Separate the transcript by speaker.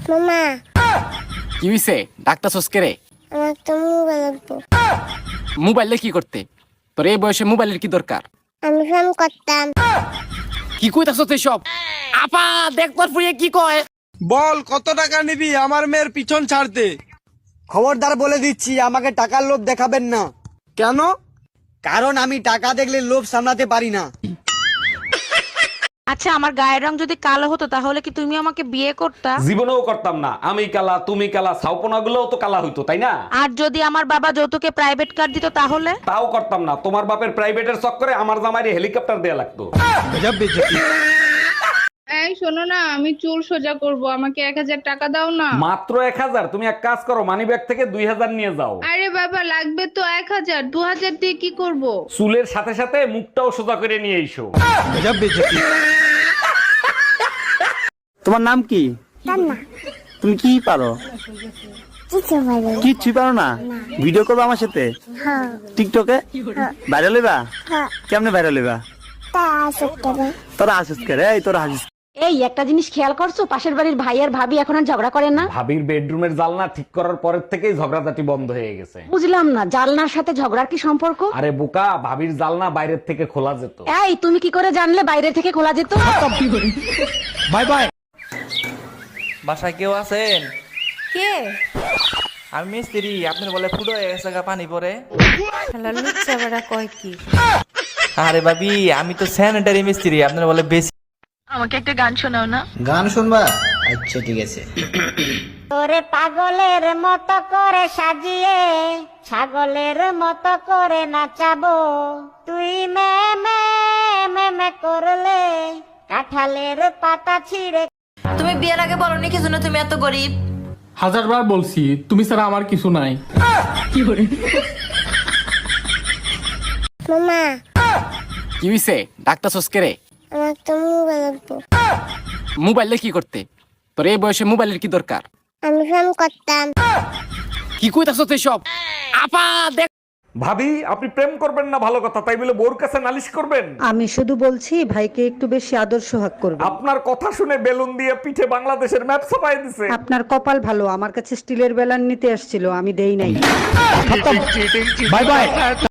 Speaker 1: মামা
Speaker 2: কি হইছে ডাক্তার সস্কে রে?
Speaker 1: আমার তো মোবাইল লাগবো।
Speaker 2: মোবাইলে কি করতে? তোর এই বয়সে মোবাইলের কি দরকার?
Speaker 1: আমি ফোন করতাম।
Speaker 2: কি কইতাছ তুই সব? আপা দেখ তোর ফুয়ে কি কয়।
Speaker 3: বল কত টাকা নিবি আমার মেয়ের পিছন ছাড়তে?
Speaker 4: খবরদার বলে দিচ্ছি, আমাকে টাকার লোভ দেখাবেন না।
Speaker 3: কেন?
Speaker 4: কারণ আমি টাকা দেখলে লোভ সামলাতে পারি না।
Speaker 5: আচ্ছা, আমার গায়ের রং যদি কালো হতো তাহলে কি তুমি আমাকে বিয়ে করতা?
Speaker 6: জীবনেও করতাম না। আমি কালা, তুমি কালা, ছাউপনা গুলোও তো কালা হইতো, তাই না?
Speaker 5: আর যদি আমার বাবা যৌতুকে প্রাইভেট কার দিত তাহলে?
Speaker 6: তাও করতাম না। তোমার বাপের প্রাইভেটের চক্করে আমার জামাইরে হেলিকপ্টার দেয়া লাগতো।
Speaker 7: এই শোনো না, আমি চুল সোজা করব, আমাকে 1000 টাকা দাও না।
Speaker 6: মাত্র 1000? তুমি এক কাজ করো, মানি ব্যাগ থেকে 2000 নিয়ে যাও।
Speaker 7: আরে বাবা, লাগবে তো 1000, 2000 দিয়ে কি করব?
Speaker 6: চুলের সাথে সাথে মুখটাও সোজা করে নিয়ে এসো।
Speaker 8: তোমার নাম কি?
Speaker 1: রান্না
Speaker 8: তুমি কি পারো?
Speaker 1: কিছু বলে।
Speaker 8: কিচ্ছুই পারো না? ভিডিও করবো আমার সাথে
Speaker 1: হ্যাঁ
Speaker 8: টিকটকে? ভাইরাল হইবা?
Speaker 1: হ্যাঁ
Speaker 8: কেমনে ভাইরাল হইবা?
Speaker 1: তা আসতে হবে।
Speaker 8: তোরা হাসিস কে রে? এই তোরা হাসিস।
Speaker 5: এই একটা জিনিস খেয়াল করছো, পাশের বাড়ির ভাই আর ভাবি এখন আর ঝগড়া করে না?
Speaker 6: ভাবির বেডরুমের জানলা ঠিক করার পরের থেকেই ঝগড়াঝাটি বন্ধ হয়ে গেছে।
Speaker 5: বুঝলাম না, জানলার সাথে ঝগড়ার কি সম্পর্ক?
Speaker 6: আরে বোকা, ভাবির জানলা বাইরের থেকে খোলা যেত।
Speaker 5: এই তুমি কি করে জানলে বাইরে থেকে খোলা যেত?
Speaker 3: Bye bye.
Speaker 9: বাসায় কেউ আছেন?
Speaker 10: কে?
Speaker 9: আমি মিস্ত্রি, আপনার বলে ফুটো হয়ে গেছে গা পানি পরে।
Speaker 10: শালা লুচ্চা বেড়া কয় কি?
Speaker 9: আরে ভাবি, আমি তো স্যানিটারি মিস্ত্রি, আপনার বলে বেশি।
Speaker 5: আমাকে একটা গান শোনাও না।
Speaker 4: গান শুনবা? আচ্ছা ঠিক আছে।
Speaker 1: তোরে পাগলের মতো করে সাজিয়ে ছাগলের মতো করে নাচাবো, তুই মে মে মে মে করলে কাঁঠালের পাতা ছিঁড়ে।
Speaker 10: তুমি বিয়ের আগে বলনি কি জন্য তুমি এত গরিব?
Speaker 3: 1000 বার বলছি, তুমি ছাড়া আমার কিছু নাই।
Speaker 1: মামা
Speaker 2: কি হইছে ডাক্তার সস্কে রে?
Speaker 1: আমার তো মোবাইল লাগবো।
Speaker 2: মোবাইলে কি করতে? তোর এই বয়সে মোবাইলের কি দরকার?
Speaker 1: আমি ফোন করতাম।
Speaker 2: কি কইতাছ তুই সব? আপা দেখ।
Speaker 6: ভাবি, আপনি প্রেম করবেন না ভালো কথা, তাই বলে বোর কাছে নালিশ করবেন?
Speaker 11: আমি শুধু বলছি ভাইকে একটু বেশি আদর সোহাগ করবে।
Speaker 6: আপনার কথা শুনে বেলুন দিয়ে পিঠে বাংলাদেশের ম্যাপ ছাপাই দিছে।
Speaker 11: আপনার কপাল ভালো, আমার কাছে স্টিলের বেলান নিতে আসছিল, আমি দেই নাই।
Speaker 3: Bye by.